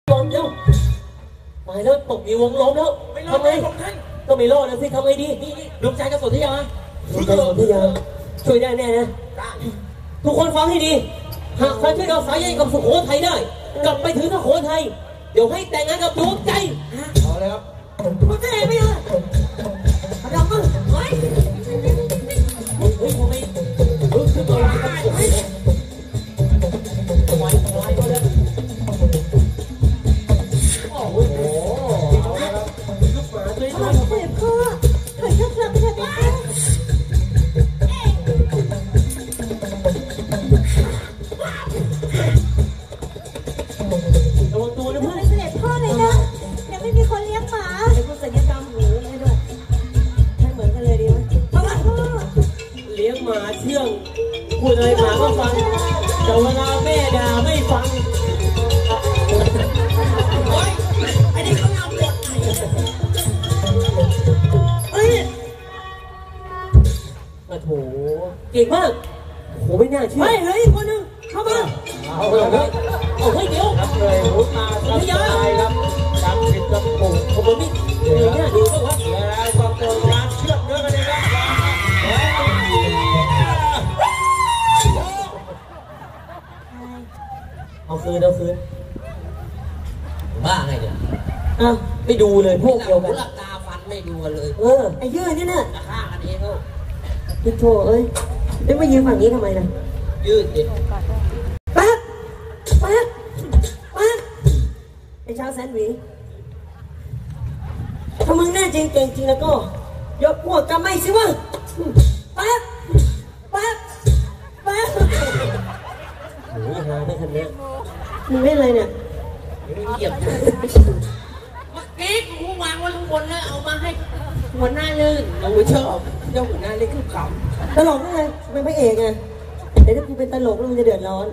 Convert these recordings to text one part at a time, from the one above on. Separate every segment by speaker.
Speaker 1: ล้มแล้วตายแล้วตกอยู่วงล้มแล้วทำไงก็ไม่รอดนะสิทำไงดีนี่ดวงใจกับสนธยาดวงใจสนธยาช่วยได้แน่นะทุกคนฟังให้ดีหากใครช่วยเราสายใยกับสุโขทัยได้กลับไปถึงสุโขทัยเดี๋ยวให้แต่งงานกับดวงใจเอาเลยครับดวงใจไม่ได้เรามึงเฮ้ยทำไมคือตัวร้ายกันเฮ้ยโอ้โหลูกหมาตัวนี้ทำไมเจ็บคอเฮ้ยเจ็บเจ็บระวังตัวนะเพื่อนเสด็จพ่อเลยนะยังไม่มีคนเลี้ยงหมาไอ้พวกศัลยกรรมหูให้ด้วยให้เหมือนกันเลยดีไหมพ่อเลี้ยงหมาเชื่องพูดอะไรหมาก็ฟังแต่เวลาแม่ด่าไม่ฟังโอ๊ยไอ้นี่เขาเอาบทเฮ้ยโอ้โหเก่งมากโหไม่น่าเชื่อเฮ้ยคนนึงเข้ามาเอาเลยเอาเฮ้ยเดี๋ยวเลยหุบมาครับไปครับจำผิดจำถูกขบวนนี้เดี๋ยวเนี่ยดูก็ว่าแล้วก็เกิดการเชื่อมเนื้อกันเลยครับเอาคืนบ้าไงเนี่ยไม่ดูเลยพวกเดียวกันหลับตาฟันไม่ดูกันเลยไอ้ยืดนี่น่ะจะฆ่ากันเองเขาพี่โถเอ้ยไม่ยืนฝั่งนี้ทำไมล่ะยืดดิปั๊บไอ้ชาวแสนหวีถ้ามึงแน่จริงเก่งจริงแล้วก็ยกพวกกันไม่สิวะปั๊บโอ้ยหาไม่ทันเนี่ยมึงเล่นอะไรเนี่ยเหยียบเมื่อกี้กูวางไว้ข้างบนแล้วเอามาให้หัวหน้าลื่นเราชอบเจ้าหัวหน้าเล่นคือขำตลกนั่นไงเป็นพระเอกไงแต่ถ้ากูเป็นตลกแล้วมึงจะเดือดร้อน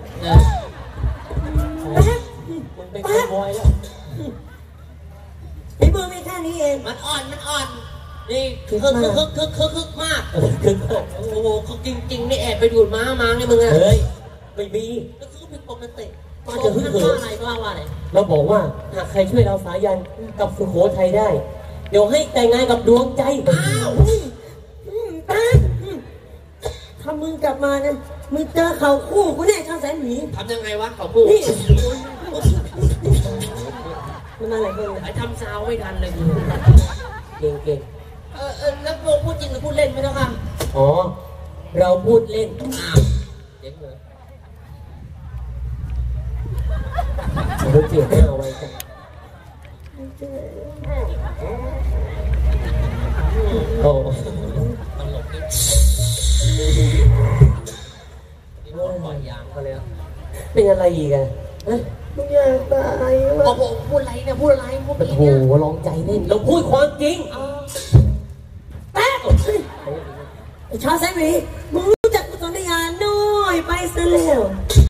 Speaker 1: มึงเป็นคาวบอยแล้วไอ้มือไม่แค่นี้เองมันอ่อนนี่คึกมากโอ้โหเขาจริงนี่แอบไปดูดม้ามาไงมึงอะเฮ้ยไม่มีแล้วคือเป็นปกติมาจะฮึ่งเหิมอะไรก็ว่าอะไรเราบอกว่าหากใครช่วยเราสายันกับสุโขทัยได้เดี๋ยวให้แต่งงานกับดวงใจถ้ามึงกลับมานะมึงเจอเขาคู่กูแน่ชาวแสนหวีทำยังไงวะเขาคู่มันมาหลายคนไอ้ทำซาวไม่ทันเลยเก่งแล้วโมพูดจริงหรือพูดเล่นไม่ต้องค่ะอ๋อเราพูดเล่นเจ๊งเลยเราเจียบหน้าเอาไว้กันโอ้ตลกนี่โดนปล่อยยางเขาเลยเป็นอะไรอีกอะมึงอยากตายวะบอกพูดอะไรเนี่ยพูดอะไรพูดโอ้โหลองใจเล่นเราพูดความจริงแป๊ะชาแซมมี่มึง